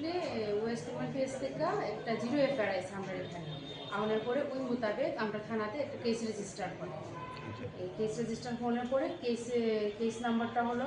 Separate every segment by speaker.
Speaker 1: Actually West Bengal page থেকে একটা zero FIR আছে আমরা এখানে আনার পরে ওই মোতাবেক আমরা থানাতে একটা কেস রেজিস্টার করি। এই কেস রেজিস্টার হওয়ার পরে কেস নাম্বারটা হলো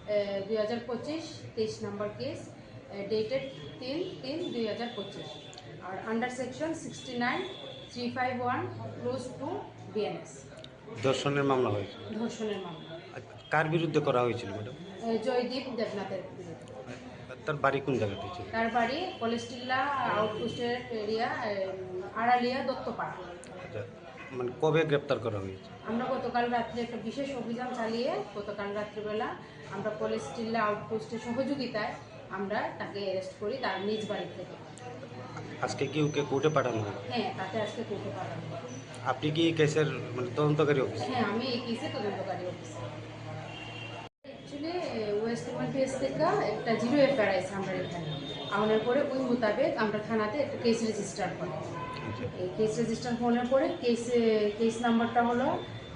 Speaker 1: 2025 নাম্বার কেস, ডেটেড 3/3/2025 আর under section 69 351 clause two BNS.
Speaker 2: ধর্ষণের মামলা হয়েছে।
Speaker 1: ধর্ষণের মামলা
Speaker 2: কার বিরুদ্ধে করা হয়েছিল ম্যাডাম?
Speaker 1: জয়দীপ দেবনাথের বিরুদ্ধে।
Speaker 2: তার বাড়ি কোন জায়গাতে ছিল?
Speaker 1: তার বাড়ি কলেস্টিল্লা আউটপোস্টের এরিয়া, আড়ালিয়া দত্তপাড়া।
Speaker 2: আচ্ছা, মানে কবে গ্রেপ্তার করা হয়েছে?
Speaker 1: আমরা গতকাল রাত্রে একটা বিশেষ অভিযান চালিয়ে গতকাল রাত্রিবেলা আমরা কলেস্টিল্লা আউটপোস্টের সহযোগিতায় আমরা তাকে অ্যারেস্ট করি তার নিজ বাড়ি থেকে।
Speaker 2: আজকে কি ওকে কোর্টে পাঠানো হয়?
Speaker 1: হ্যাঁ, তাতে আজকে কোর্টে পাঠানো হয়।
Speaker 2: আপনি কি কেসের মানে তদন্তকারী অফিস?
Speaker 1: হ্যাঁ, আমি এই কেসে তদন্তকারী officer. Actually West Bengal page থেকে একটা জিরো এফআইআর আছে আমরা এখানে আনার পরে ওই মোতাবেক আমরা থানাতে একটা কেস রেজিস্টার করি। এই কেস রেজিস্টার হওয়ার পরে কেস নাম্বারটা হলো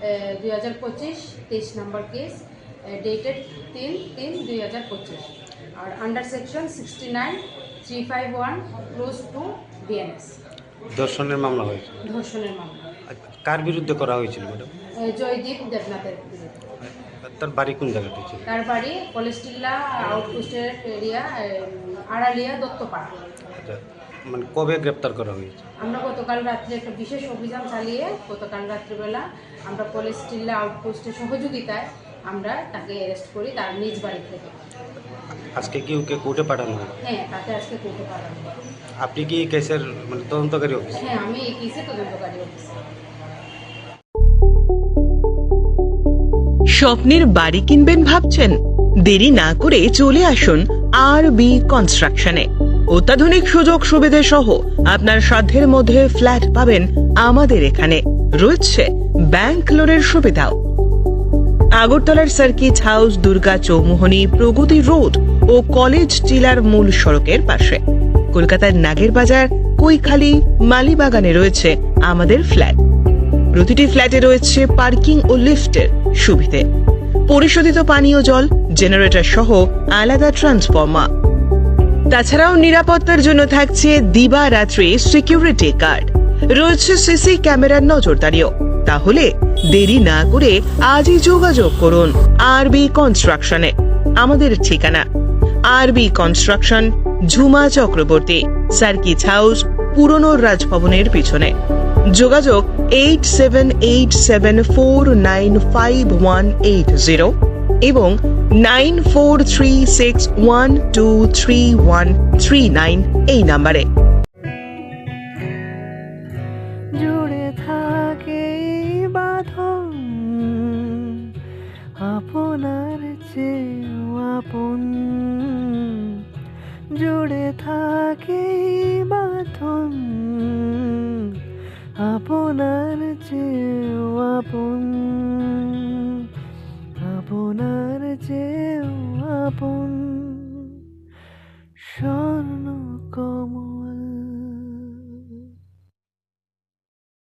Speaker 1: 2025 নাম্বার কেস, ডেটেড 3/3/2025 আর under section 69 351 clause two BNS.
Speaker 2: ধর্ষণের মামলা হয়েছে।
Speaker 1: ধর্ষণের মামলা
Speaker 2: কার বিরুদ্ধে করা হয়েছিল ম্যাডাম?
Speaker 1: জয়দীপ দেবনাথের বিরুদ্ধে।
Speaker 2: তার বাড়ি কোন জায়গাতে ছিল?
Speaker 1: তার বাড়ি কলেস্টিল্লা আউটপোস্টের এরিয়া, আড়ালিয়া দত্তপাড়া।
Speaker 2: আচ্ছা, মানে কবে গ্রেপ্তার করা হয়েছে?
Speaker 1: আমরা গতকাল রাত্রে একটা বিশেষ অভিযান চালিয়ে গতকাল রাত্রিবেলা আমরা কলেস্টিল্লা আউটপোস্টের সহযোগিতায় আমরা তাকে অ্যারেস্ট করি তার নিজ বাড়ি থেকে।
Speaker 2: আজকে কি ওকে কোর্টে পাঠানো হয়?
Speaker 1: হ্যাঁ, তাতে আজকে কোর্টে পাঠানো হয়।
Speaker 2: আপনি কি কেসের মানে তদন্তকারী অফিস?
Speaker 1: হ্যাঁ, আমি এই কেসে তদন্তকারী অফিসার।
Speaker 3: স্বপ্নের বাড়ি কিনবেন ভাবছেন? দেরি না করে চলে আসুন আরবি কনস্ট্রাকশনে। অত্যাধুনিক সুযোগ সুবিধে সহ আপনার সাধ্যের মধ্যে ফ্ল্যাট পাবেন আমাদের এখানে। রয়েছে ব্যাংক লোনের সুবিধাও। আগরতলার সার্কিট হাউস, দুর্গা চৌমুহনী, প্রগতি রোড ও কলেজ টিলার মূল সড়কের পাশে। কলকাতার নাগের বাজার, কৈখালি, মালিবাগানে রয়েছে আমাদের ফ্ল্যাট। প্রতিটি ফ্ল্যাটে রয়েছে পার্কিং ও লিফটের সুবিধে, পরিশোধিত পানীয় জল, জেনারেটর সহ আলাদা ট্রান্সফরমার। তাছাড়াও নিরাপত্তার জন্য থাকছে দিবারাত্রি সিকিউরিটি গার্ড, রয়েছে সিসি ক্যামেরার নজরদারিও। তাহলে দেরি না করে আজই যোগাযোগ করুন আরবি কনস্ট্রাকশনে। আমাদের ঠিকানা RB construction, Jhuma Chakraborty, circuit house, পুরনো রাজভবনের পিছনে। যোগাযোগ 8787495180 এবং 9436123139 এই নাম্বারে।
Speaker 4: জুড়ে থাকে বাঁধন আপনার চেয়েও আপন, জুড়ে থাকে বাঁধন আপনার চেয়েও আপন, আপনার চেয়েও আপন।